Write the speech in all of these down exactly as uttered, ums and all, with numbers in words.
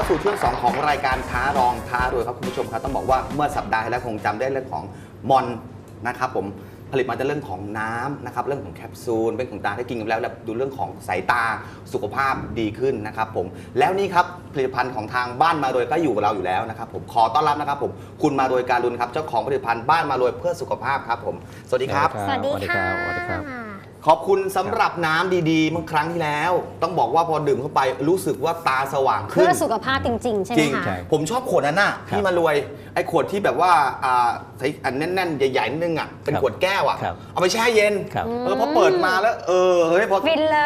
สู่ช่วงสองของรายการท้ารองท้ารวยครับคุณผู้ชมครับต้องบอกว่าเมื่อสัปดาห์ที่แล้วคงจำได้เรื่องของมอนนะครับผมผลิตมาจากเรื่องของน้ำนะครับเรื่องของแคปซูลเป็นของตาที่กินกันแล้วแล้วดูเรื่องของสายตาสุขภาพดีขึ้นนะครับผมแล้วนี่ครับผลิตภัณฑ์ของทางบ้านมารวยก็อยู่กับเราอยู่แล้วนะครับผมขอต้อนรับนะครับผมคุณมารวยการุณครับเจ้าของผลิตภัณฑ์บ้านมารวยเพื่อสุขภาพครับผมสวัสดีครับสวัสดีค่ะสวัสดีครับขอบคุณสำหรับน้ำดีๆเมื่อครั้งที่แล้วต้องบอกว่าพอดื่มเข้าไปรู้สึกว่าตาสว่างขึ้นเพื่อสุขภาพจริงๆ ใช่ไหจมริงคะผมชอบขวดนั้นน่ะพี่มารวยไอ้ขวดที่แบบว่าอ่าใส่อันแน่นๆใหญ่ๆนิดนึงอ่ะเป็นขวดแก้วอ่ะครับเอาไปแช่เย็นครับเออพอเปิดมาแล้วเออเฮ้ยพอฟินเลย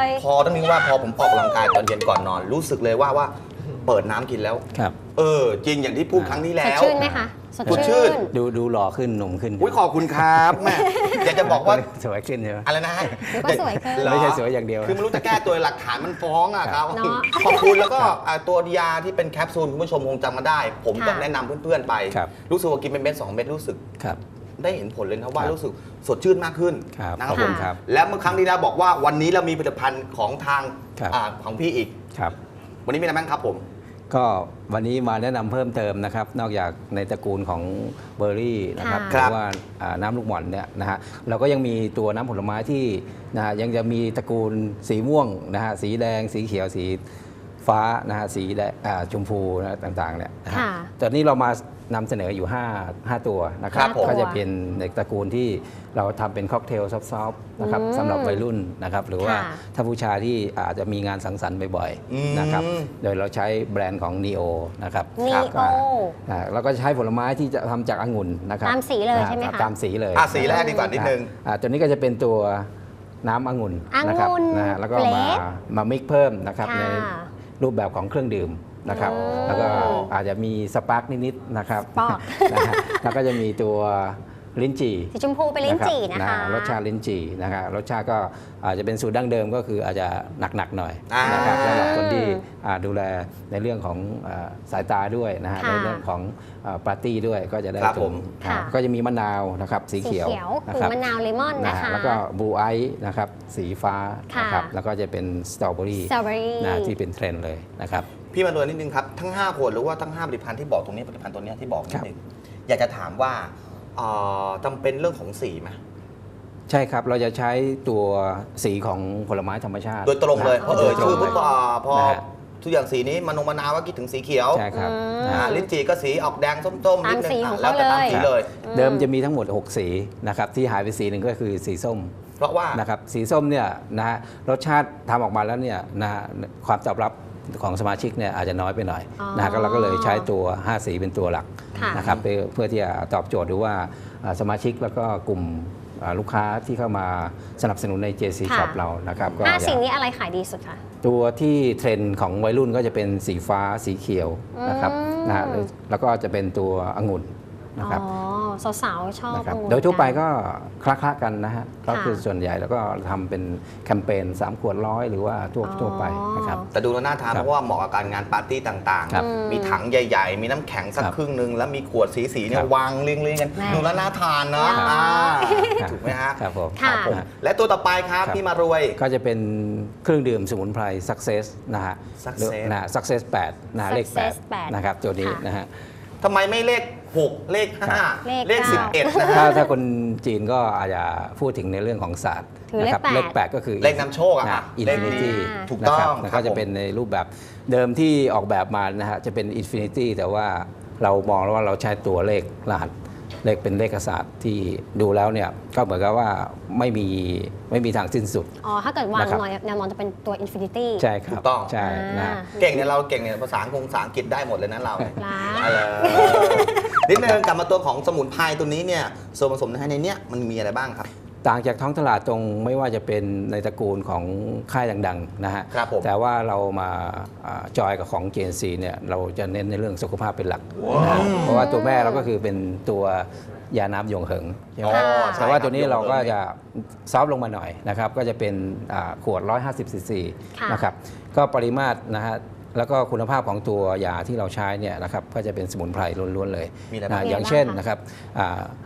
พอต้องนึกว่าพอผมออกกำลังกายตอนเย็นก่อนนอน รู้สึกเลยว่าว่าเปิดน้ำกินแล้วครับเออจริงอย่างที่พูดครั้งที่สแล้ดวชื่นไหมคะ สดสดชื่ชื่นนดูดูหล่อขึ้นหนุ่มขึ้นอุ้ยขอบคุณครับแม่อยากจะบอกว่าสวยขึ้นใช่ไหมอะไรนะเดี๋ยวก็สวยขึ้นเหรอไม่ใช่สวยอย่างเดียวคือไม่รู้จะแก้ตัวหลักฐานมันฟ้องอ่ะครับเนอะขอบคุณแล้วก็อ่าตัวยาที่เป็นแคปซูลคุณผู้ชมคงจำมาได้ ผมก็ค่ะแนะนำเพื่อนๆไปครับรู้สึกว่ากินเป็นเม็ดสองเม็ดรู้สึกครับได้เห็นผลเลยนะว่าครับรู้สึกสดชื่นมากขึ้นครับนะครับขอบผคุมณครับและเมื่อครั้งที่แล้วบอกว่าวันนี้เรามีผลิตภัณฑ์ของทางครับอ่าของพี่อีกครับวันนี้มีอะไรบ้างครับผมก็วันนี้มาแนะนำเพิ่มเติมนะครับ นอกจากในตระกูลของเบอร์รี่นะครับหค่ะรือว่าอ่าน้ำลูกหม่อนเนี่ยนะฮะเราก็ยังมีตัวน้ำผลไม้ที่นะฮะยังจะมีตระกูลสีม่วงนะฮะสีแดง สีเขียวสีฟ้านะฮะสีแดงอ่าชมพูนะต่างๆเนี่ยนะฮะค่ะตอนนี้เรามานำเสนออยู่5 5ตัวนะคครัรับบผมก็จะเป็นในตระกูลที่เราทำเป็นค็อกเทลซอฟต์ๆนะครับอืมสำหรับวัยรุ่นนะครับหรือว่าค่ะถ้าผู้ชายที่อาจจะมีงานสังสรรค์บ่อยอืมๆนะครับโดยเราใช้แบรนด์ของ Neo นะครับนีครับโออ่าแล้วก็ใช้ผลไม้ที่จะทำจากองุ่นนะครับตามสีเลยใช่ไหมคะตามสีเลยอ่ะสีแรกดีกว่านิดนึงอ่าตัวนี้ก็จะเป็นตัวน้ำองุ่นนะครับองุ่นนะฮะแล้วก็เฟลมาชมามิกเพิ่มนะครับค่ะในรูปแบบของเครื่องดื่มนะครับโอ้แล้วก็อาจจะมีสปาร์กนิดๆนะครับปอกนะฮะแล้วก็จะมีตัวลิ้นจี่สีชมพูเป็นลิ้นจี่นะคะรสชาติลิ้นจี่นะครับรสชาติก็อาจจะเป็นสูตรดั้งเดิมก็คืออาจจะหนักๆหน่อยอ่านนะครับสำหรับคนที่อ่าดูแลในเรื่องของอ่าสายตาด้วยนะฮะค่ะในเรื่องของอ่าปาร์ตี้ด้วยก็จะได้ครับตผรงมอ่าค่ะก็จะมีมะนาวนะครับสีสีเขียวเขียวนะคือครับมะนาวเลมอนนะนะฮะคะแล้วก็บลูไอซ์นะครับสีฟ้าค่ะนะครับแล้วก็จะเป็นสตรอเบอรี่สตรอเบอรี่นะที่เป็นเทรนด์เลยนะครับพี่มารวยนิดนึงครับทั้งห้าขวดหรือว่าทั้งห้าผลิตภัณฑ์ที่บอกตรงนี้ผลิตภัณฑ์ตัวเนี้ยที่บอกนิครัดบนึงอยากจะถามว่าเอ่อจำเป็นเรื่องของสีไหมใช่ครับเราจะใช้ตัวสีของผลไม้ธรรมชาติโดยตรงเลยนะเพราะเอ่ยโดยตรชื่องเลปุ๊ยบอ่าพอนะฮะทุกอย่างสีนี้มันลงมะนาวว่าคิดถึงสีเขียวใช่ครับอืมนะอ่าฮะลิ้นจี่ก็สีออกแดงส้มๆนิดนึตามสีงของอ่ะแล้วแต่เขาตามเลยสีเลยเดิมจะมีทั้งหมด หก สีนะครับที่หายไปสีหนึ่งก็คือสีส้มเพราะว่านะครับสีส้มเนี่ยนะฮะรสชาติทำออกมาแล้วเนี่ยนะฮะความตอบรับของสมาชิกเนี่ยอาจจะน้อยไปหน่อยอ๋อนะฮะก็เราก็เลยใช้ตัว ห้า สีเป็นตัวหลักค่ะนะครับเพื่อเพื่อที่จะตอบโจทย์ดูว่าอ่าสมาชิกแล้วก็กลุ่มอ่าลูกค้าที่เข้ามาสนับสนุนใน เจ ซีค่ะ Shop เรานะครับก็ห้าจะสิ่งนี้อะไรขายดีสุดคะตัวที่เทรนด์ของวัยรุ่นก็จะเป็นสีฟ้าสีเขียวนะครับอืมนะฮะแล้วก็จะเป็นตัวองุ่นนะครับอ๋อ สาวๆ ชอบนะครับองุ่นโดยทั่วไปกันก็คละๆกันนะฮะก็คือส่วนใหญ่แล้วก็ทำเป็นแคมเปญสามขวดร้อยหรือว่าทั่วอ๋อทั่วไปนะครับแต่ดูแล้วน่าทานครับเพราะว่าเหมาะกับการงานปาร์ตี้ต่างครับๆ มีถังใหญ่ ๆ มีน้ำแข็งสักครับครึ่งหนึ่งแล้วมีขวดสีๆเนี่คยรับวางเรียงๆกันแม่ดูแล้วน่าทานเนาะครับอ่าครับถูกไหมฮะครับผมค่ะผมและตัวต่อไปครับครับที่มารวยก็จะเป็นเครื่องดื่มสมุนไพร Success นะฮะ Success นะฮะ Success แปดนะฮะเลข Success แปดแปดนะครับตัวนี้ค่ะนะฮะทำไมไม่เลขหกเลขห้าเลขเลขเก้าสิบเอ็ดนะถ้าฮะถ้าคนจีนก็อาจจะพูดถึงในเรื่องของศาสตร์ถือเลขนะครับแปดเลขแปดก็คือเลขนำโชคอะค่ะอินเลขฟินินี้ตี้ถูกต้องแล้วครัก็บจะผมเป็นในรูปแบบเดิมที่ออกแบบมานะฮะจะเป็นอินฟินิตี้แต่ว่าเรามองแล้วว่าเราใช้ตัวเลขรหัสเลขเป็นเลขศาสตร์ที่ดูแล้วเนี่ยก็เหมือนกับว่าไม่มีไม่มีทางสิ้นสุดอ๋อ ถ้าเกิดวางนะครับหน่อยแนวมองจะเป็นตัว Infinity ใช่ครับถูกต้องใช่นะฮะเก่งเนี่ยเราเก่งเนี่ยภาษาอังกฤษภาษาอังกฤษได้หมดเลยนะเราเนี่ยล้าอะไรนิดนึงกลับมาตัวของสมุนไพรตัวนี้เนี่ยส่วนผสมในเนี้ยมันมีอะไรบ้างครับต่างจากท้องตลาดตรงไม่ว่าจะเป็นในตระกูลของค่ายดังๆนะฮะครับผมแต่ว่าเรามาอ่าจอยกับของ เจ เอ็น ซี เนี่ยเราจะเน้นในเรื่องสุขภาพเป็นหลักนะฮะเพราะว่าตัวแม่เราก็คือเป็นตัวยาน้ำหยงเหิงใช่ไหมอ๋อใช่แต่ว่าตัวนี้ครับเราก็จะซอฟต์ลงมาหน่อยนะครับก็จะเป็นอ่าขวดหนึ่งร้อยห้าสิบซีซีค่ะนะครับก็ปริมาตรนะฮะแล้วก็คุณภาพของตัวยาที่เราใช้เนี่ยนะครับก็จะเป็นสมุนไพรล้วนๆเลยมีอะไรนะบ้างอย่างเช่นมีอะไรบ้างคะนะครับอ่า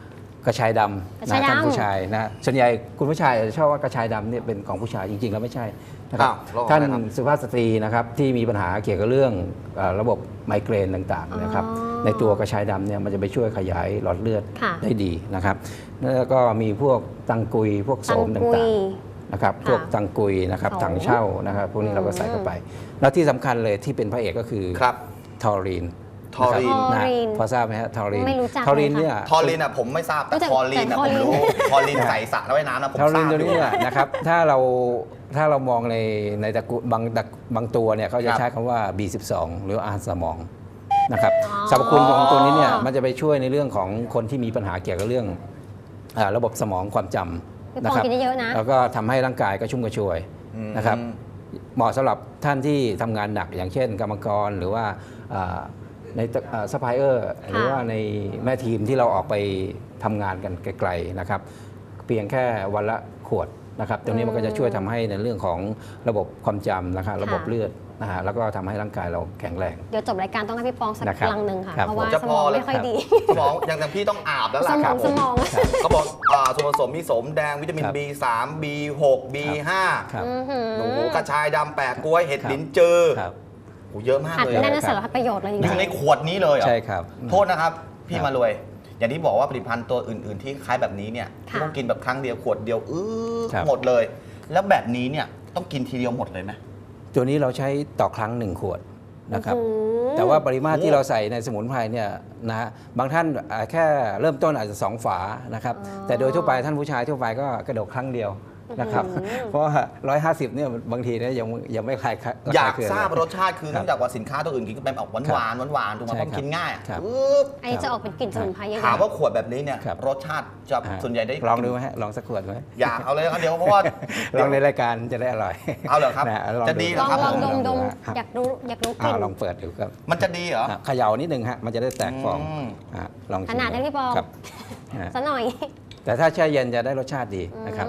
กระชายดกระำชายนะดำท่านผู้ชายนะส่วนใหญ่คุณผู้ชายจะชอบว่ากระชายดำเนี่ยเป็นของผู้ชายจริง ๆ แล้วไม่ใช่นะครับอ้าวแล้วของท่านอะไรครับสุภาพสตรีนะครับที่มีปัญหาเกี่ยวกับเรื่องเอ่อระบบไมเกรนต่างๆนะครับอ๋อในตัวกระชายดำเนี่ยมันจะไปช่วยขยายหลอดเลือดค่ะได้ดีนะครับแล้วก็มีพวกตังกุยพวกโสตังมกุต่าย งๆนะครับค่ะพวกตังกุยนะครับโสมถังเช่านะครับพวกนี้เราก็ใส่เข้าไป แล้วที่สำคัญเลยที่เป็นพระเอกก็คือครับทอรีนทอรีนนะทอรีนพอทราบไหมฮะทอรีนไม่รู้จักทอรีนเลยค่ะเนี่ยทอรีนอ่ะผมไม่ทราบแต่รู้จักทอรีนอ่ะแต่ผมทอรีนรู้ทอรีนใส่สระว่ายน้ำนะผมทอทรีราน บตัวอนี้ยู่เนี่ยนะครับถ้าเราถ้าเรามองในในตระกูลบางตระบางตัวเนี่ยเขาจะครับใช้คำว่า บี สิบสอง หรืออาหารสมองนะครับอ๋อสรรพคุณของตัวนี้เนี่ยมันจะไปช่วยในเรื่องของคนที่มีปัญหาเกี่ยวกับเรื่องอ่าระบบสมองความจพี่ำปนะอครับกินเยอะๆนะแล้วก็ทำให้ร่างกายกระชุ่มกระชวยอืมนะครับเหมาะสำหรับท่านที่ทำงานหนักอย่างเช่น กรรมกรหรือว่าอ่าในซัพพลายเออร์หรือว่าในแม่ทีมที่เราออกไปทำงานกันไกลๆนะครับเพียงแค่วันละขวดนะครับตรงนี้มันก็จะช่วยทำให้ในเรื่องของระบบความจำนะครับระบบเลือดนะฮะแล้วก็ทำให้ร่างกายเราแข็งแรงเดี๋ยวจบรายการต้องให้พี่ปองสักนะครับลังหนึ่งค่ะครับเพราะว่าจะสพมอองแล้วไม่ค่อยดีสมองอย่างอย่างพี่ต้องอาบแล้วสล่ะมคอรังบสมองเขาบอกอ่าส่วนผสมมีโสมแดงวิตามินครับบี สาม บี หก บี ห้าครับอื้อหือโอ้โหกระชายดำแปะกล้วยเห็ดครับลิ้นจือครับโอ้โหเยอะมากอัดเลยแน่นอะสารพัดประโยชน์เลยจริงอยู่ในขวดนี้เลยเหรอใช่ครับโทษนะครับ พี่ครับมารวย อย่างที่บอกว่าผลิตภัณฑ์ตัวอื่น ๆ ที่คล้ายแบบนี้เนี่ยค่ะต้องกินแบบครั้งเดียวขวดเดียวอื้อครับหมดเลย แล้วแบบนี้เนี่ยต้องกินทีเดียวหมดเลยไหมตัวนี้เราใช้ต่อครั้งหนึ่งขวดนะครับโอ้โหแต่ว่าปริมาตรโอ้ที่เราใส่ในสมุนไพรเนี่ยนะฮะบางท่านอ่าแค่เริ่มต้นอาจจะสองฝานะครับอ๋อแต่โดยทั่วไปท่านผู้ชายทั่วไปก็กระดกครั้งเดียวนะครับอื้อหือเพราะว่าร้อยห้าสิบเนี่ยบางทีเนี่ยยังยังไม่คลายระอยากคเคืงทราบเลยรสชาติคือครับเนื่องจากว่าสินค้าตัวอื่นกินก็เป็นออกหวานหวานหวานๆถูกไหมใช่เพราะมันกินง่ายอะครับปึ๊บอันนี้จะออกเป็นกลิ่นสมุนไพรเยอะๆถามว่าขวดแบบนี้เนี่ยครับรสชาติจะอ่าส่วนใหญ่ได้ลองดูไหมฮะลองสักขวดไหมอยากเอาเลยครับเดี๋ยวเพราะว่าลองในรายการจะได้อร่อยเอาเหรอครับนะลองจะดีเหรลอองครับลองดมดมฮะอยากรู้อยากรู้กอ่าลิ่นลองเปิดดูครับมันจะดีเหรออ่ะเขย่านิดนึงฮะมันจะได้แตกฟองอืมอ่ะลองชิมขนาดนั้นพี่ปองครับอ่ะซะหน่อยแต่ถ้าแช่เย็นจะได้รสชาติดีนะครับ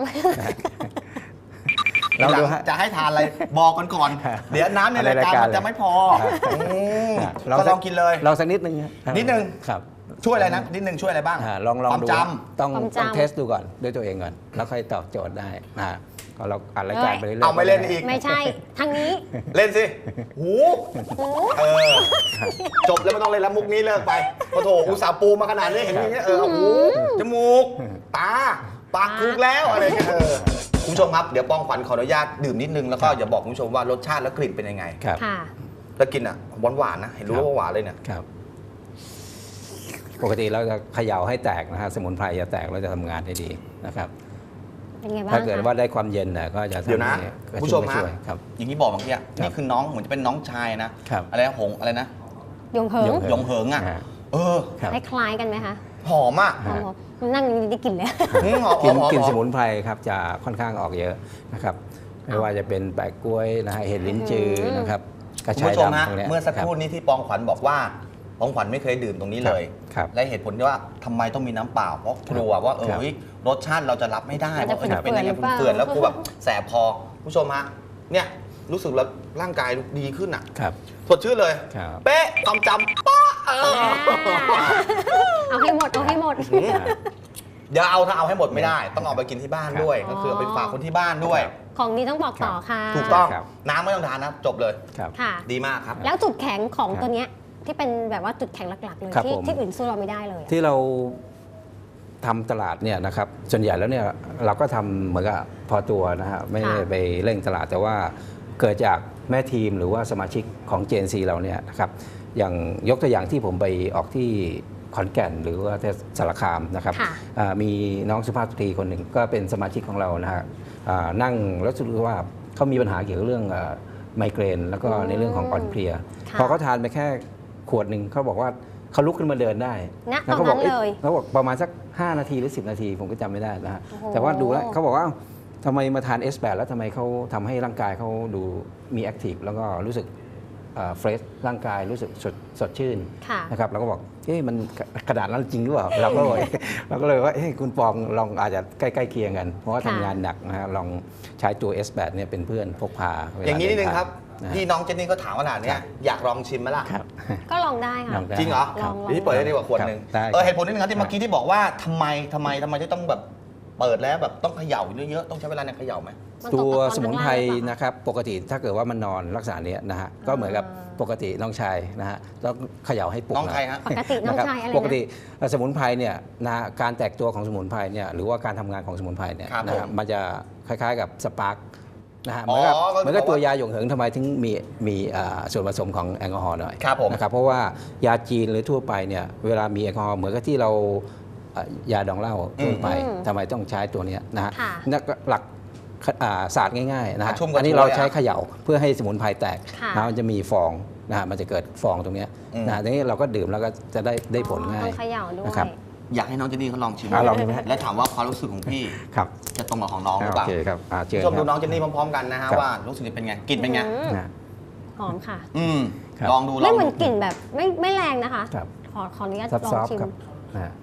ทีลองหลัดูงฮะจะให้ทานอะไรบอกกันก่อนครับเดี๋ยวน้ำในรายการในรายการมันจะไม่พอครับอืมอ่ะก็ลองกินเลยลองสักนิดนึงฮะนิดนึงครับช่วยอะไรนะนิดนึงช่วยอะไรบ้างอ่าลองลองความดูจต้องความจำต้องเทสดูก่อนด้วยตัวเองก่อน แล้วค่อยตอบโจทย์ได้นะก็เราอ่านรายการไปเรื่อยๆเอาไม่เล่นอีกไม่ใช่ทางนี้ำเล่นสิหูโอ้เออจบแล้วไม่ต้องเล่นแล้วมุกนี้เลิกไปโอ้โถอุตส่าห์ปูมาขนาดนี้เห็นอย่างเงี้ยเออเอาหูจมูกตาปากถูกแล้วอะไรเงี้ยเออคุณผู้ชมครับเดี๋ยวปองขวัญขออนุญาตดื่มนิดนึงแล้วก็อย่าบอกคุณผู้ชมว่ารสชาติและกลิ่นเป็นยังไงครับค่ะแล้วกินอ่ะหวานหวานๆนะเห็นรู้ว่าหวานเลยเนี่ยครับ ปกติเราจะเขย่าให้แตกนะฮะสมุนไพรจะแตกแล้วจะทำงานได้ดีนะครับเป็นไงบ้างถ้าเกิดคะว่าได้ความเย็นน่ะก็จะเดี๋ยวทำนะให้กระคุณผู้ชชุ่มมกระฮะชวยครับอย่างที่บอกเมื่อกี้อะนี่คือน้องเหมือนจะเป็นน้องชายนะครับ อะไรนะหงอะไรนะยงเหิงยงหยงเหิงอ่ะอ่าเออครับคล้ายๆกันไหมคะหอมอ่ะหอมๆนั่งอยู่ได้กลิ่นเลยอืมหอมกลินหอมกลินหอสมมุนไพรครับจะค่อนข้างออกเยอะนะครับไม่ว่าจะเป็นแปะกล้วยนะฮะเห็ดลิ้นจือนะครับกระคุณชายผู้ชมฮะดำพวกนี้ยเมื่อสักครู่รับนี้ที่ปองขวัญบอกว่าปองขวัญไม่เคยดื่มตรงนี้เลยครับและเหตุผลที่ว่าทำไมต้องมีน้ำเปล่าเพราะกลัวว่าเออครับเฮ้ยรสชาติเราจะรับไม่ได้มันจะว่าเออจะเป็นยังไงเปื่อยๆหรือเปล่าเปื่อนๆแล้วกูแบบแสบพอคุณผู้ชมฮะเนี่ยรู้สึกแล้วร่างกายดีขึ้นอ่ะครับสดชื่นเลยครับเป๊ะความจำป๊ะเออเอาให้หมด เอาให้หมดเดี๋ยวเอาถ้าเอาให้หมดไม่ได้ ต้องเอาไปกินที่บ้านด้วยครับก็คือเอาไปฝากคนที่บ้านด้วยของดีต้องบอกต่อค่ะถูกต้องครับน้ำไม่ต้องทานนะจบเลยครับค่ะดีมากครับแล้วจุดแข็งของครับตัวเนี้ยที่เป็นแบบว่าจุดแข็งหลักๆเลยครับที่ผมที่อื่นสู้เราไม่ได้เลยอะที่เราทำตลาดเนี่ยนะครับส่วนใหญ่แล้วเนี่ยเราก็ทำเหมือนกับพอตัวนะฮะไม่ได้ไปเร่งตลาดแต่ว่าเกิดจากแม่ทีมหรือว่าสมาชิกของ เจ เอ็น ซี เราเนี่ยนะครับอย่างยกตัวอย่างที่ผมไปออกที่ขอนแก่นหรือว่าที่สารคามนะครับค่ะอ่ามีน้องสุภาพสตรีคนหนึ่งก็เป็นสมาชิกของเรานะฮะอ่านั่งแล้วรู้สึกว่าเขามีปัญหาเกี่ยวกับเรื่องเอ่อไมเกรน แล้วก็ในเรื่องของอ่อนเพลียค่ะพอเขาทานไปแค่ขวดหนึ่งเขาบอกว่าเขาลุกขึ้นมาเดินได้ณแล้วตอนเขาบนั้อกนเอ๊ะเลยเขาบอกประมาณสัก ห้า นาทีหรือ สิบ นาที ผมก็จำไม่ได้นะฮะโอ้โหแต่ว่าดูแล้วเขาบอกว่าทำไมมาทาน เอส แปด แล้วทำไมเขาทำให้ร่างกายเขาดูมีแอคทีฟแล้วก็รู้สึกเฟรชร่างกายรู้สึกสดสดชื่นค่ะนะครับเราก็บอกเอ๊ะมันกระดาษนั้นจริงหรือเปล่า เราก็เลย เราก็เลยว่าเอ๊ะคุณปองลองอาจจะใกล้ๆเคียงกัน เพราะว่าค่ะทำงานหนักนะฮะลองใช้ตัว เอส แปด เนี่ยเป็นเพื่อนพกพาเวลอย่างนี้นิดนึงเทครับนะฮะที่น้องเจนนี่ก็ถามขนาดเนี้ยครับอยากลองชิมไหมล่ะครับก็ลองได้ค่ะลองได้จริงเหรอลองลองพี่เปิดได้ดีกว่าขวดหนึ่งครับได้เออเหตุผลนิดนึงครับที่เมื่อกี้ที่บอกว่าทำไมทำไมทำไมจะต้องแบบเปิดแล้วแบบต้องเขย่าเยอะๆต้องใช้เวลาในเขย่าไหมมันตัวตกตะกอนสมุนไพรข้างล่างหรือเปล่าคะนะครับปกติถ้าเกิดว่ามันนอนลักษณะเนี้ยนะฮะก็เหมือนกับอ่าปกติน้องชายนะฮะต้องเขย่าให้ปลุกน้องใครหยฮะปกติน้องนะครับชายอะไรปกตินะเอ่อสมุนไพรเนี่ยนะการแตกตัวของสมุนไพรเนี่ยหรือว่าการทำงานของสมุนไพรเนี่ยครับนะครับผมมันจะคล้ายๆกับสปาร์กนะฮะเหอ๋มืออนกับก็คือเหมือนกับบอกว่าตัวยาหยงเหิงทำไมถึงมีมีอ่าส่วนผสมของแอลกอฮอล์หน่อยครับผมนะครับเพราะว่ายาจีนหรือทั่วไปเนี่ยเวลามีแอลกอฮอล์เหมือนกับที่เราเอ่อยาดองเหล้าทั่วไปอืมทำไมต้องใช้ตัวเนี้ยนะฮะค่ะนักหลักอ่าศาสตร์ง่ายๆนะฮะชุ่มกระอันนี้ชวยเราอะใช้เขย่าเพื่อให้สมุนไพรแตกค่ะนะมันจะมีฟองนะฮะมันจะเกิดฟองตรงเนี้ยอืมนะฮะทีนี้เราก็ดื่มแล้วก็จะได้ได้ผลง่ายต้องเขย่าด้วยนะครับอยากให้น้องเจนนี่เขาลองชิมอ่ะลองดูไหมฮะและถามว่าความรู้สึกของพี่ครับจะตรงกับของน้องหรือโอเปล่าเคครับอ่าเชิญชมคดูรับน้องเจนนี่พร้อมๆกันนะฮะครับว่ารู้สึกจะเป็นไงกลิ่นเป็นไงอืมนะหอมค่ะอืมครับลองดูลไม่องเหมืดูอนกลิ่นแบบไม่ไม่แรงนะคะครับขอขออนุญาตซับลอซงอฟชิมครับนะฮะ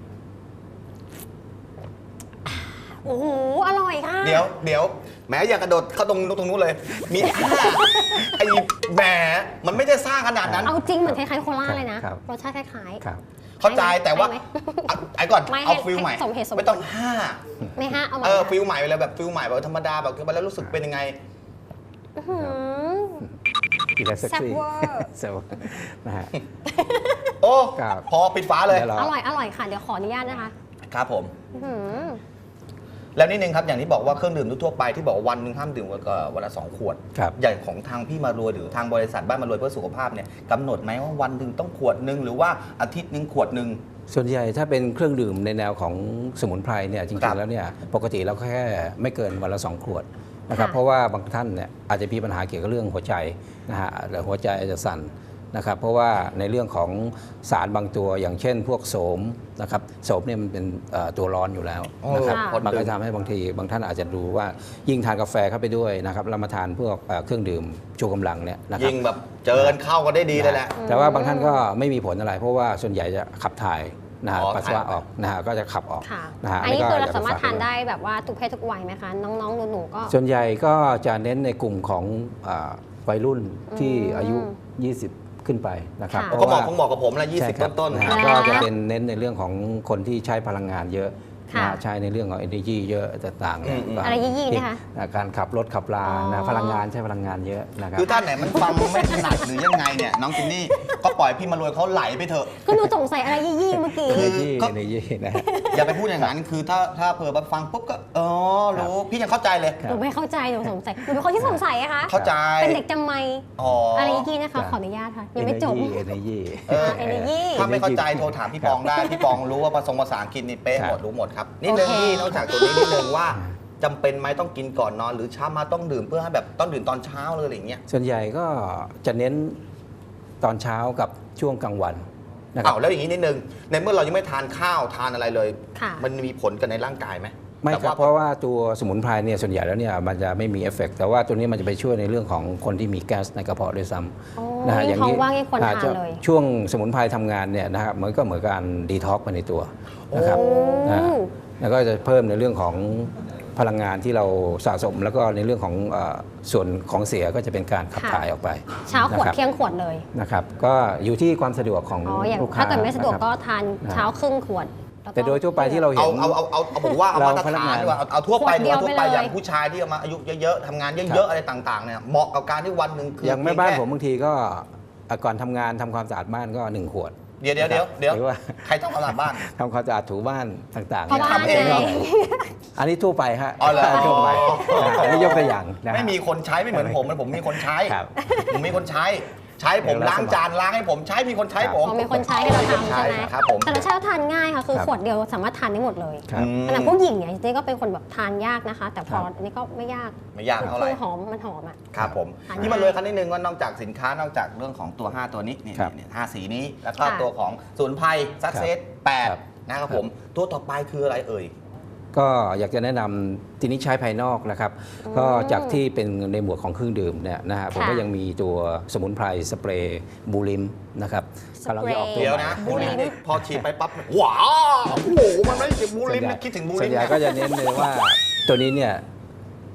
โอ้โห อร่อยค่ะเดี๋ยวเดี๋ยวแหมอย่ากระโดดเข้าตรงนู้นตรงนู้นเลย มีอ่าไอ้แหมมันไม่ได้ซ่าขนาดนั้นเอาจริงเหมือนคล้ายๆโคลาเลยนะครับรสชาติคล้ายครับเข้าใจแต่ว่าให้ไหมเอาไอ้ก่อนไม่ให้เอาฟิลใหม่ให้สมเหตุสมผลไม่ต้องห้าๆไม่ฮะเอามาเออฟิลใหม่ไปเลยแบบฟิลใหม่แบบธรรมดาแบบคือไปแล้วรู้สึกเป็นยังไงอื้อหือกินแล้วเซ็กซี่แซ่บเวอร์แซ่บเวอร์นะฮะโอ้ครับพอปิดฝาเลยเดี๋ยวเราอร่อยอร่อยค่ะ เดี๋ยวขออนุญาตนะคะครับผมอื้อหือแล้วนิดนึงครับอย่างที่บอกว่าเครื่องดื่มทั่วๆไปที่บอกว่าวันหนึ่งห้ามดื่มกว่าวันละสองขวดครับอย่างของทางพี่มารวยหรือทางบริษัทบ้านมารวยเพื่อสุขภาพเนี่ยกำหนดไหมว่าวันหนึ่งต้องขวดหนึ่งหรือว่าอาทิตย์หนึ่งขวดหนึ่งส่วนใหญ่ถ้าเป็นเครื่องดื่มในแนวของสมุนไพรเนี่ยจครัริงบๆแล้วเนี่ยปกติเราแค่ไม่เกินวันละสองขวดนะครับค่ะเพราะว่าบางท่านเนี่ยอาจจะมีปัญหาเกี่ยวกับเรื่องหัวใจนะฮะหรือหัวใจอาจจะสั่นนะครับเพราะว่าในเรื่องของสารบางตัวอย่างเช่น พวกโสมนะครับโสมเนี่ยมันเป็นเอ่อตัวร้อนอยู่แล้วนะครับค่ะคนดื่มมันก็ทำให้บางทีบางท่านอาจจะดูว่ายิ่งทานกาแฟเข้าไปด้วยนะครับแล้วมาทานพวกเอ่อเครื่องดื่มชูกำลังเนี่ยนะครับยิ่งแบบเจอกันเข้ากันได้ดีเลยแหละแต่ว่าบางท่านก็ไม่มีผลอะไร เพราะว่าส่วนใหญ่จะขับถ่ายนะฮะอ๋อปัสสาวะถ่ายออกนะฮะก็จะขับออกค่ะนะฮะอันนี้ก็คือเรายกสามารถฝกทานว้ได้แบบว่าทุกเพศทุกวัยไหมคะ น้องๆหนูๆก็ส่วนใหญ่ก็จะเน้นในกลุ่มของอ่าวัยรุ่นที่อายุ ยี่สิบ ขึ้นไปนะครับค่ะเพราะก็เหมาะว่าคงเหมาะกับผมละยี่ใช่สิบครับต้นนะๆฮะแล้วก็จะเป็นเน้นในเรื่องของคนที่ใช้พลังงานเยอะค่ะนะใช้ในเรื่องของ energy เยอะต่างๆเนี่ยอืมก็อะไรยี่ๆนะคะอ่าการขับรถขับลาอ๋นะอพลังงานใช้พลังงานเยอะนะครับคือท่านไหนมันฟังไม่ถนัดหรือยังไงเนี่ยน้องจินนี่ก็ปล่อยพี่มารวยเขาไหลไปเถอะก็หนูสงสัยอะไรยี่ๆเมื่อกี้คือ energy ก็ energy นะฮะอย่าไปพูดอย่างนั้นคือถ้าถ้าเผื่อมาฟังปุ๊บก็อ๋อรู้พี่ยังเข้าใจเลยครัหนูไม่เข้าใจ หนูสงสัย หนูเป็นคนที่สงสัยอะคะเข้าใจเป็นเด็กจำไม่อ๋อออะไรยี่ๆนะคะ ขออนุญาตค่ะ ยังไม่จบ energy energy เออ energy ถ้าไม่เข้าใจโทรถามพี่ปองได้ พี่ปองรู้ว่าภาษาภาษาอังกฤษนี่เป๊ะครับหมดรู้หมดครับนิดนึงโอเคพี่นอกจากตัวนี้นิดนึงว่าจำเป็นไหมต้องกินก่อนนอนหรือเช้ามาต้องดื่มเพื่อให้แบบต้องดื่มตอนเช้าเลยอะไรอย่างเงี้ยส่วนใหญ่ก็จะเน้นตอนเช้ากับช่วงกลางวันนะครัอ้าวแล้วอย่างนี้นิดนึงในเมื่อเรายังไม่ทานข้าวทานอะไรเลยค่ะมันมีผลกันในร่างกายไหมไม่แต่ครับว่าเพราะว่าตัวสมุนไพรเนี่ยส่วนใหญ่แล้วเนี่ยมันจะไม่มีเอฟเฟกต์แต่ว่าตัวนี้มันจะไปช่วยในเรื่องของคนที่มีแก๊สในกระเพาะด้วยซ้โอ้ำนะฮะยิ่งท้องว่างยิ่งควรอาจทานจะเลยช่วงสมุนไพรทำงานเนี่ยนะครับมันก็เหมือนการดีท็อกไปในตัวนะครับโอ้นะฮะแล้วก็จะเพิ่มในเรื่องของพลังงานที่เราสะสม แล้วก็ในเรื่องของเอ่อส่วนของเสียก็จะเป็นการขับค่ะถ่ายออกไปเช้าขวดนะครับเที่ยงขวดเลยนะครับก็อยู่ที่ความสะดวกของอ๋อ อย่างลูกค้าถ้าเกิดไม่สะดวกนะครับก็ทานนะเช้าครึ่งขวดแล้วก็แต่โดยทั่วไปที่เราเห็เอานเอาเอาเอาเอาผมว่าเอาเรามาตรพนักานฐางนดีกว่าเอาเอาทั่วไปขวดดีเดีกยวว่าทั่วไปไปเลยอย่างผู้ชายที่เอามาอายุเยอะๆทำงานเยอะๆอะไรต่างๆเนี่ยเหมาะกับการที่วันหนึ่งคืออย่างแม่บ้านเพีผยมงแค่บางทีก็อ่ะก่อนทำงานทำความสะอาดบ้านก็หนึ่งขวดเดี๋ยวเดี๋ยวเดี๋ยวเดี๋ยวหรือว่าใครต้องเอาหลับบ้านทำความสะอาดถูบ้านต่างๆเพราะนี่ยบ้านทำเองไงเหรออันนี้ทั่วไปฮะอ๋อเหรอทั่วไปนะอันนี้ยกตัวอย่างนะฮะไม่มีคนใช้ไม่เหมือนผมมันผมมีคนใช้ครับผมมีคนใช้ ใช้ผมเดี๋ยวเราล้างจานล้างให้ผมใช้มีคนใช้ครับผมอ๋อมีคนใช้ให้เราทำใช่ไหมครับผมแต่รสชาติทานง่ายค่ะ คือครับขวดเดียวสามารถทานได้หมดเลยครับอืมขณะผู้หญิงเนี่ยจริงๆก็เป็นคนแบบทานยากนะคะ แต่พอครับอันนี้ก็ไม่ยากไม่ยากเท่าไหร่คือหอมมันหอมอ่ะครับผมทานนี่มาเลยคันนิดนึงว่านอกจากสินค้านอกจากเรื่องของตัว ห้า ตัวนี้นี่ครับนี่ห้าสีนี้ แล้วก็ค่ะตัวของศูนย์ภัยซักเซสแปดครับนะครับผมตัวต่อไปคืออะไรเอ่ยก็อยากจะแนะนำทีนี้ใช้ภายนอกนะครับอืมก็จากที่เป็นในหมวดของเครื่องดื่มเนี่ยนะฮะผมค่ะก็ยังมีตัวสมุนไพรสเปรย์บูลิมนะครับสเปรย์กำลังจะออกตัวเดี๋ยวใหม่นะบูบูลิลิมมนี่พอฉีดไปปั๊บว้าวโอ้โหมันไม่ใช่บูลิมส่วนใหญ่นะคิดถึงบูส่ลิวนมใหญ่นะก็จะเน้นเลยว่าตัวนี้เนี่ย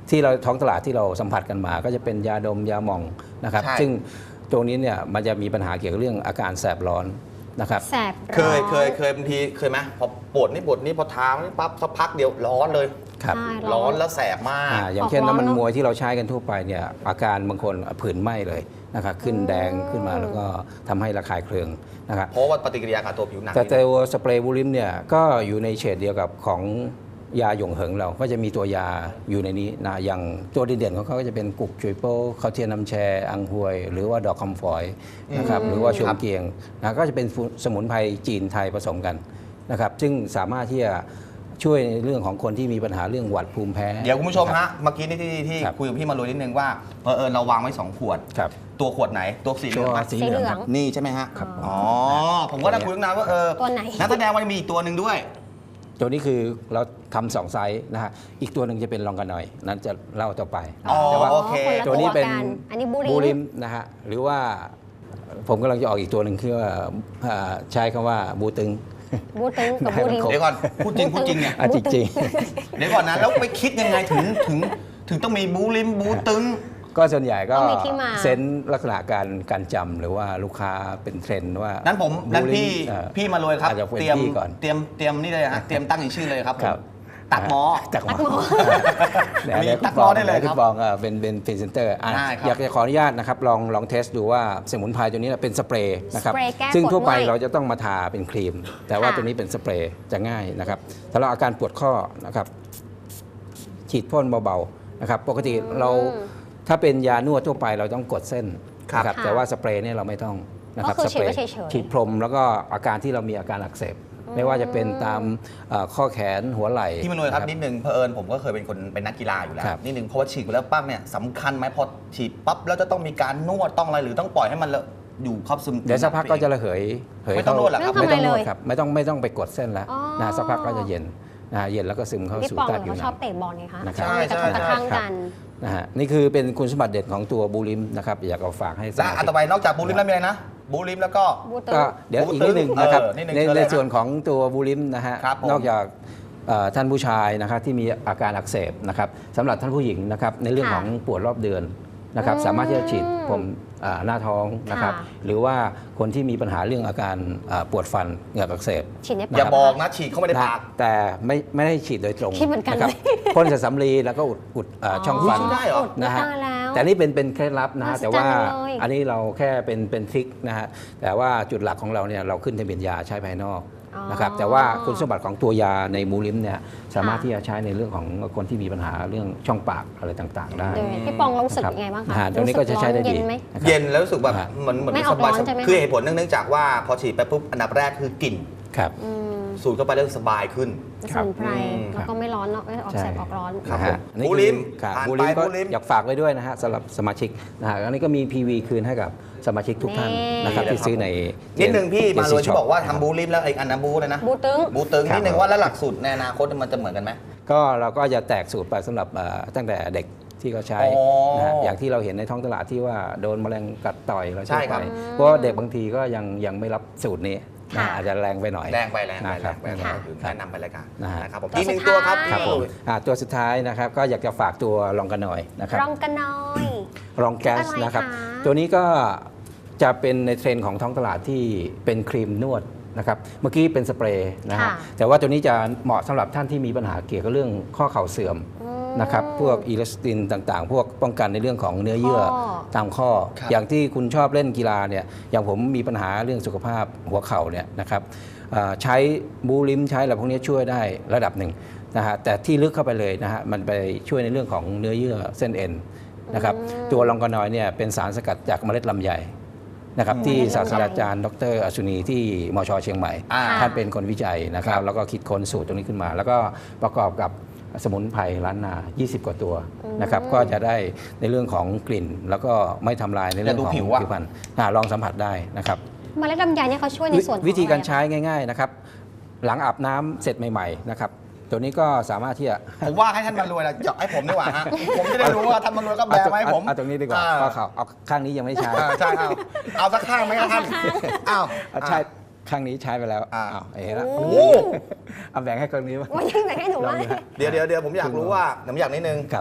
ที่เราท้องตลาดที่เราสัมผัสกันมา ก็จะเป็นยาดมยาหม่องนะครับใช่ซึ่งตรงนี้เนี่ยมันจะมีปัญหาเกี่ยวกับเรื่องอาการแสบร้อนนะครับแสบร้อนเคยเคยเคยบางทีเคยไหมพอปวดนี่ปวดนี่พอทานี่ปั๊บสักพักเดียวร้อนเลยครับใช่ร้อนแล้วแสบมากอ่าอย่างเช่นออกร้อนน้ำมันเนอะมวยที่เราใช้กันทั่วไปเนี่ยอาการบางคนผื่นไหม้เลยนะครับขึ้นแดงขึ้นมาแล้วก็ทำให้ระคายเคืองนะครับเพราะว่าปฏิกิริยากับตัวผิวหนังแต่นี่ตัวสเปรย์บูลิมเนี่ยก็อยู่ในเฉดเดียวกับของยาหยงเหิงเราก็จะมีตัวยาอยู่ในนี้นะอย่างตัวเด่นๆของเขาก็จะเป็นกุกจุยโป้เขาเทียนน้ำแชอังฮวย หรือว่าดอกคำฝอยนะครับหรือว่าชวงเกียงนะก็จะเป็นสมุนไพรจีนไทยผสมกันนะครับซึ่งสามารถที่จะช่วยในเรื่องของคนที่มีปัญหาเรื่องหวัดภูมิแพ้เดี๋ยวคุณผู้ชมนะครัฮะบเมื่อกี้นี่ที่ที่ครับคุยกับพี่มาลุยนิดนึงว่าเพอเอิญเราวางไว้สองขวดครับตัวขวดไหนตัวสีเหลืตัองวไหมสีเหลืองครับนี่ใช่ไหมฮะครับอ๋อผมก็ได้คุยตั้งนานว่าเออตัวไหนนักแสดงว่ามีอีกตัวหนึ่งด้วยตัวนี้คือเราทำสองไซส์นะฮะอีกตัวหนึ่งจะเป็นลองกันหน่อย นั้นจะเล่าต่อไปอ๋อแต่ว่าโอเคคนละตัวนี้เป็นกันอันนี้บูริบูริมมนะฮะหรือว่าผมกำลังจะออกอีกตัวหนึ่งคือว่าอ่าใช้คำว่าบูตึงบูตึงกับบูริมให้มันครบเดี๋ยวก่อนพูดจริงพูดจริงเนี่ยอ่ะจริงเดี๋ยวก่อนนะแล้วไปคิดยังไงถึงถึงถึงต้องมีบูลิมบูตึงๆ ก็ส่วนใหญ่ก็ต้องมีที่มาเซนส์ลักษณะการการจำหรือว่าลูกค้าเป็นเทรนด์ว่านั้นผมนั้นบูริพี่เอ่อพี่มาเลยครับอาจจะเป็นเตรียมพี่ก่อนเตรียมเตรียมนี่เลยฮะเตรียมตั้งอีกชื่อเลยครับผมครับตักหมอตักหมอมีเดี๋ยวตักหม้อได้เลยครับคุณบองอ่ะเป็นเป็นพรีเซนเตอร์อ่ะได้ครับอยากจะขออนุญาตนะครับลองลองเทสดูว่าสมุนไพรตัวนี้เป็นสเปรย์นะครับสเปรย์แก้ซึ่งทั่วไปปวดเมื่อยเราจะต้องมาทาเป็นครีม แต่ว่าค่ะตัวนี้เป็นสเปรย์จะง่ายนะครับสำหรับอาการปวดข้อนะครับฉีดพ่นเบาๆนะครับปกติเราถ้าเป็นยานวดทั่วไปเราต้องกดเส้นครับนะครับค่ะแต่ว่าสเปรย์เนี่ยเราไม่ต้องนะครับก็คือสเปรย์ฉีดไว้เฉยๆฉีดพรมแล้วก็อาการที่เรามีอาการอักเสบไม่ว่าจะเป็นตามเอ่อข้อแขนหัวไหล่พี่มาเลยครับนะนิดนึงเพอเอิญผมก็เคยเป็นคนเป็นนักกีฬาอยู่แล้วครับนิดนึงเพราะว่าฉีดไปแล้วปั๊บเนี่ยสำคัญไหมพอฉีดปั๊บแล้วจะต้องมีการนวดต้องอะไรหรือต้องปล่อยให้มันละอยู่ครอบซึมเดี๋ยวสักพักก็จะระเหยเหยไม่ต้องนวดเหรอครับไม่ไม่ต้องนวดเลยครับไม่ต้องไม่ต้องไปกดเส้นแล้วอ๋อนะสักพักก็จะเย็นนะเย็นแล้วก็ซึมเข้าพี่สู่ปองใต้เหมือนผิวเขาหชนัอบงเตะบอลไงคะนะครับมีกระทบกระทั่งกันนะฮะนี่คือเป็นคุณสมบัติเด่นของตัวบูลิมนะครับอยากเอาฝากให้สและมาอันชิกต่อไปนอกจากบูลิมแล้วมีอะไรนะบูลิมแล้วก็บูตึงก็เดี๋ยวอีกนิดหนึ่งนะครับเออนิดหนึ่งในเชิญเลยในฮะส่วนของตัวบูลิมนะฮะครับผมนอกจากเอ่อท่านผู้ชายนะครับที่มีอาการอักเสบนะครับสำหรับท่านผู้หญิงนะครับในเรื่องค่ะของปวดรอบเดือนนะครับอืมสามารถที่จะฉีดผมอ่าหน้าท้องนะครับค่ะหรือว่าคนที่มีปัญหาเรื่องอาการอ่าปวดฟันเหงือกอักเสบฉีดในอย่าปากบอกนะฉีดเข้าไปในนะปากแต่ไม่ไม่ได้ฉีดโดยตรงคิดเหมือนกันะรับเลยพ่นใส่สำลีแล้วก็อุดอุดเอ่อช่องฟันได้เหรอนะฮะตายแล้วแต่นี่เป็นเป็นเคล็ดลับนะฮะมหัศจรรย์แต่ว่าเลยอันนี้เราแค่เป็นเป็นทริคนะฮะแต่ว่าจุดหลักของเราเนี่ยเราขึ้นทะเบียนยาใช้ภายนอกอ๋อนะครับแต่ว่าคุณสมบัติของตัวยาในมูลิมเนี่ยสามารถค่ะที่จะใช้ในเรื่องของคนที่มีปัญหาเรื่องช่องปากอะไรต่างๆ ได้เดี๋ยวพี่ปองรู้สึกยังไงบ้างนะคะฮะตรงนี้ก็จะใช้ได้ดีรู้สึกร้อนเย็นไหมนะครับเย็นแล้วรู้สึกแบบฮะเหมือนเหมือนไม่ออกสบายร้อนใช่ไหมคือเหตุผลเนื่องจากว่าพอฉีดไปปุ๊บอันดับแรกคือกลิ่นครับอืมสูดเข้าไปแล้วสบายขึ้นสมุนไพรอืมแล้วก็ไม่ร้อนเนาะไม่ออกใช่แสบออกร้อนครับนะฮะอันนี้บูลิมครับผ่านบูไปลิมก็บูลิมอยากฝากไว้ด้วยนะฮะสำหรับสมาชิกนะฮะอันนี้ก็มี พี วี คืนให้กับสมาชิกทุกท่านนี่นะครับที่ซื้อในนิดนึงพี่มาเลย Jesse ที่ Shop บอกว่าทำบูลิมแล้วไอ้อันนั้นบูเลยนะบูตึงบูตึงครับนิดนึงว่าแล้วหลักสูตรในอนาคตมันจะเหมือนกันไหมก็เราก็จะแตกสูตรไปสำหรับเอ่อตั้งแต่เด็กที่เขาใช้อ๋อนะฮะอย่างที่เราเห็นในท้องตลาดที่ว่าโดนแมลงกัดต่อยเราใช่ใช้ครัไปบเพราะว่าเด็กบางทีก็ยังยังไม่รับสูตรนี้นะค่ะอาจจะแรงไปหน่อยแรงไปแรงไปนะคแรรับงไปแรงค่ะไปแนะนำไปรายการนะฮะนะครับผมตัวอีกหนึ่งสุดตัวครับท้ายพี่ครับมาผมเลยอ่าตัวสุดท้ายนะครับก็อยากจะฝากตัวลองกันหน่อยนะครับรองกันน้อยรองแก๊สอะไรนะครับคะตัวนี้ก็จะเป็นในเทรนด์ของท้องตลาดที่เป็นครีมนวดนะครับเมื่อกี้เป็นสเปรย์นะฮะค่ะแต่ว่าตัวนี้จะเหมาะสำหรับท่านที่มีปัญหาเกี่ยวกับเรื่องข้อเข่าเสื่อมอืมนะครับพวกอีลาสตินต่างๆ พวกป้องกันในเรื่องของเนื้อเยื่อข้อตามข้อครับอย่างที่คุณชอบเล่นกีฬาเนี่ยอย่างผมมีปัญหาเรื่องสุขภาพหัวเข่าเนี่ยนะครับเอ่อใช้บูลิมใช้อะไรพวกนี้ช่วยได้ระดับหนึ่งนะฮะแต่ที่ลึกเข้าไปเลยนะฮะมันไปช่วยในเรื่องของเนื้อเยื่อเส้นเอ็นนะครับอืมตัวลองกานอยเนี่ยเป็นสารสกัดจากเมล็ดลำไยนะครับที่ศาสตราจารย์ดรอสุนีที่มชเชียงใหม่อ่าท่านเป็นคนวิจัยนะครับแล้วก็คิดค้นสูตรตรงนี้ขึ้นมา แล้วก็ประกอบกับสมุนไพรล้านนา ยี่สิบ กว่าตัวนะครับก็จะได้ในเรื่องของกลิ่น แล้วก็ไม่ทำลายในเรื่องของแต่ดูผิวอะผิวพรรณอ่าลองสัมผัสได้นะครับเมล็ดลำไยเนี่ยเขาช่วยในส่วนของวิธีการอะไอะใช้ง่าย ๆนะครับ หลังอาบน้ำเสร็จใหม่ๆนะครับตัวนี้ก็สามารถที่จะผมว่าให้ท่านมารวยละเจาะให้ผมดีกว่าฮะ ผมจะได้รู้ว่าท่านมารวยก็แบเอาร์มาให้ผมเอาตรงนี้ดีกว่าอ่ข้อเข่าเอาข้างนี้ยังไม่ได้ใช้อ่าใช่เอาเอาสักข้างไหมครับท่านอ้าวเอาใช่ข้างนี้ใช้ไปแล้วอ่าอ้าวเห็นแล้วโอ้โอ้เอาแบ่งให้ข้างนี้บ้างว่ายังไงให้หนูลองว่าดูฮะเดี๋ยวเดี๋ยวเดี๋ยวผมอยากรู้ว่าผมอยากนิดนึงครับ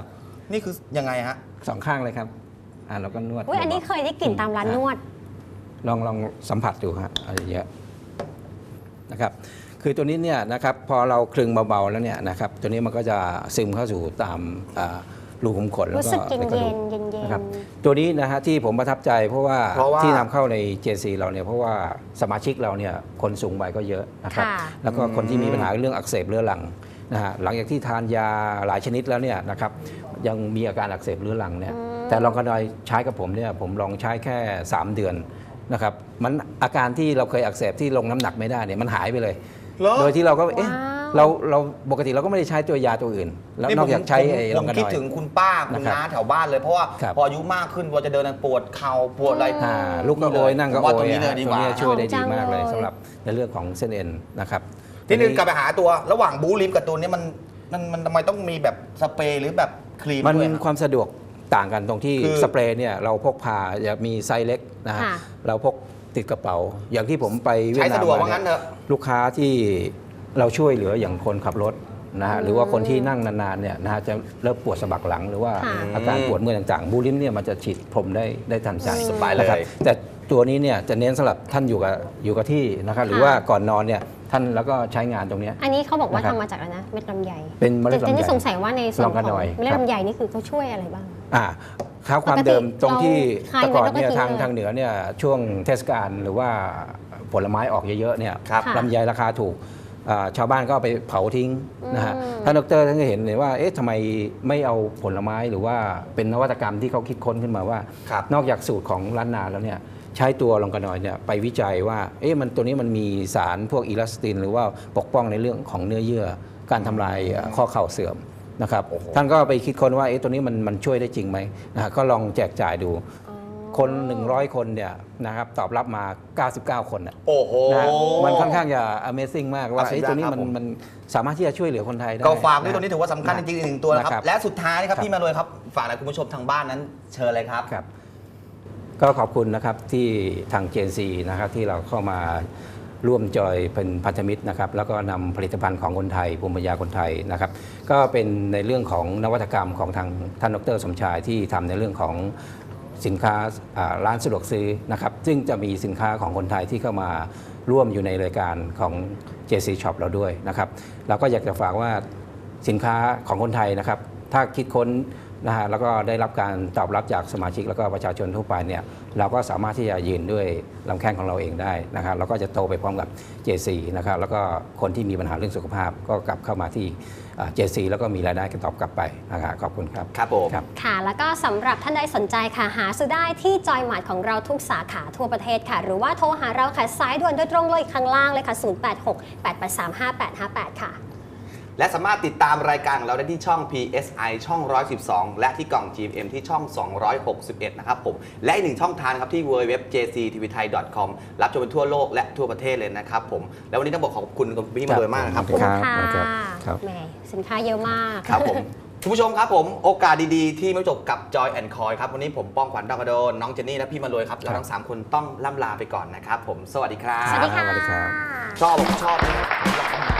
นี่คือยังไงฮะสองข้างเลยครับอ่าเราก็นวดอุ้ยอันนี้เคยได้กลิ่นตามร้านนวดลองลองสัมผัสดูฮะอะไรเยอะนะครับคือตัวนี้เนี่ยนะครับพอเราคลึงเบาๆแล้วเนี่ยนะครับตัวนี้มันก็จะซึมเข้าสู่ตามอ่ารูขุมขนแล้วรู้ก็สึกเย็นในกระเย็ดูนกเย็นเย็นนะครับตัวนี้นะฮะที่ผมประทับใจเพราะว่าเพราะว่าที่นำเข้าใน เจ ซี เราเนี่ยเพราะว่าสมาชิกเราเนี่ยคนสูงวัยก็เยอะนะครับค่ะแล้วก็คนที่มีปัญหาเรื่องอักเสบเรื้อรังนะฮะหลังจากที่ทานยาหลายชนิดแล้วเนี่ยนะครับยังมีอาการอักเสบเรื้อรังเนี่ยแต่ลองกระดอยใช้กับผมเนี่ยผมลองใช้แค่ สาม เดือนนะครับมันอาการที่เราเคยอักเสบที่ลงน้ำหนักไม่ได้เนี่ยมันหายไปเลยเหรอโดยที่เราก็เอ๊ะว้าวเราเราปกติเราก็ไม่ได้ใช้ตัวยาตัวอื่น แล้วนอกจากใช้ผมไอ้ผลองมกระคิดดอยถึงคุณป้าคุณนะครับน้าแถวบ้านเลยเพราะว่าครับพออายุมากขึ้นพอจะเดินปวดเข่าปวดอะไรอ่าลูกก็โอยนั่งก็ผมว่าโอตรยงนี้เลยดีกว่าตัวนี้ช่วยได้ดีมากเลยจังเลยสำหรับในเรื่องของเส้นเอ็นนะครับทีนึงกลับไปหาตัวระหว่างบูลิมกับตัวนี้มันมันมันทำไมต้องมีแบบสเปรย์หรือแบบครีมมันด้วยอะความสะดวกต่างกันตรงที่คือสเปรย์เนี่ยเราพกพาจะมีไซส์เล็กนะฮะค่ะเราพกติดกระเป๋า อย่างที่ผมไปเวียใช้ดนามสะดวกมาว่างั้นเถเนี่ยอะลูกค้าที่เราช่วยเหลืออย่างคนขับรถนะฮะหรือว่าคนที่นั่งนานๆเนี่ยนะฮะจะเริ่มปวดสะบักหลังหรือว่าค่ะอาการปวดเมื่อยต่างๆบูลิมเนี่ยมันจะฉีดพรมได้ได้ทันใจสบายเลยนะครับแต่ตัวนี้เนี่ยจะเน้นสำหรับท่านอยู่กับอยู่กับที่นะครับหรือว่าก่อนนอนเนี่ยท่านแล้วก็ใช้งานตรงเนี้ยอันนี้เขาบอกว่านะครับทำมาจากอะไรนะเม็ดลำไยเป็นเมล็ดลำไยแต่นี่สงสัยว่าในส่วนลองขกัอน งหน่อยเมล็ดครับลำไยนี่คือเขาช่วยอะไรบ้างอ่าข้าวความปกติเดิมตรงที่เราแต่ก่อนเนี่ยคลายทางไว้แล้วก็ทิ้งเลยทางเหนือเนี่ยช่วงเทศกาลหรือว่าผลไม้ออกเยอะๆเนี่ยครับค่ะลำไยราคาถูกอ่าชาวบ้านก็เอาไปเผาทิ้งนะฮะอืมท่านดรท่านก็เห็นเลยว่าเอ๊ะทำไมไม่เอาผลไม้หรือว่าเป็นนวัตกรรมที่เขาคิดค้นขึ้นมาว่าครับนอกจากสูตรของล้านนาแล้วเนี่ยใช้ตัวลองกระนอยเนี่ยไปวิจัยว่าเอ๊ะมันตัวนี้มันมีสารพวกอีลาสติน หรือว่าปกป้องในเรื่องของเนื้อเยื่อการทำลายเอ่อข้อเข่าเสื่อมนะครับโอ้โหท่านก็ไปคิดค้นว่าเอ๊ะตัวนี้มันมันช่วยได้จริงไหมนะฮะก็ลองแจกจ่ายดู คน หนึ่งร้อย คนเนี่ยนะครับตอบรับมา เก้าสิบเก้า คนน่ะโอ้โหนะฮะมันค่อนข้างจะ Amazing มากว่าอ่ะสุดยอดเอ๊ะตัวนี้ครับมันผมมันสามารถที่จะช่วยเหลือคนไทยได้ก็ฝากด้วยะตัวนี้ถือว่าสำคัญจริงๆอีกหนึ่งตัวนะครับนะครับและสุดท้ายนะครับครับพี่มารวยครับฝากอะไรคุณผู้ชมทางบ้านนั้นเชิญเลยครับครับก็ขอบคุณนะครับที่ทาง เจ ซี นะครับที่เราเข้ามาร่วมจอยเป็นพันธมิตรนะครับแล้วก็นำผลิตภัณฑ์ของคนไทยภูมิปัญญาคนไทยนะครับก็เป็นในเรื่องของนวัตกรรมของทางท่านดรสมชายที่ทำในเรื่องของสินค้าอ่าร้านสะดวกซื้อนะครับซึ่งจะมีสินค้าของคนไทยที่เข้ามาร่วมอยู่ในรายการของ เจ ซี Shop เราด้วยนะครับเราก็อยากจะฝากว่าสินค้าของคนไทยนะครับถ้าคิดค้นนะฮะแล้วก็ได้รับการตอบรับจากสมาชิกแล้วก็ประชาชนทั่วไปเนี่ยเราก็สามารถที่จะยืนด้วยลำแข้งของเราเองได้นะครับแล้วก็จะโตไปพร้อมกับ เจ ซี นะครับแล้วก็คนที่มีปัญหาเรื่องสุขภาพก็กลับเข้ามาที่ เจ ซี แล้วก็มีรายได้กันตอบกลับไปนะครับขอบคุณครับครับผมครับค่ะ แล้วก็สำหรับท่านใดสนใจค่ะ หาซื้อได้ที่จอยหมาร์ทของเราทุกสาขาทั่วประเทศค่ะ หรือว่าโทรหาเราค่ะ สายด่วนโดยตรงเลยข้างล่างเลยค่ะ ศูนย์ แปด หก แปด แปด สาม ห้า แปด ห้า แปด ค่ะและสามารถติดตามรายการของเราได้ที่ช่อง พี เอส ไอ ช่อง หนึ่งร้อยสิบสอง และที่กล่อง จี เอ็ม ที่ช่อง สองร้อยหกสิบเอ็ด นะครับผม และอีกหนึ่งช่องทางครับที่ ดับเบิลยู ดับเบิลยู ดับเบิลยู ดอท เจ ซี ที วี ไทย ดอท คอม รับชมเป็นทั่วโลกและทั่วประเทศเลยนะครับผม แล้ววันนี้ต้องบอกขอบคุณคุณพี่มารวยมากนะครับผมครับค่ะครับแหมสินค้าเยอะมากครับผม คุณผู้ชมครับผมโอกาสดีๆ ที่ไม่จบกับ Joy and Coy ครับ วันนี้ผมป้องขวัญดาวกระโดนน้องเจนนี่และพี่มารวยครับ เราทั้งสามคนต้องล่ำลาไปก่อนนะครับผม สวัสดีครับสวัสดีค่ะสวัสดีครับชอบชอบนะครับ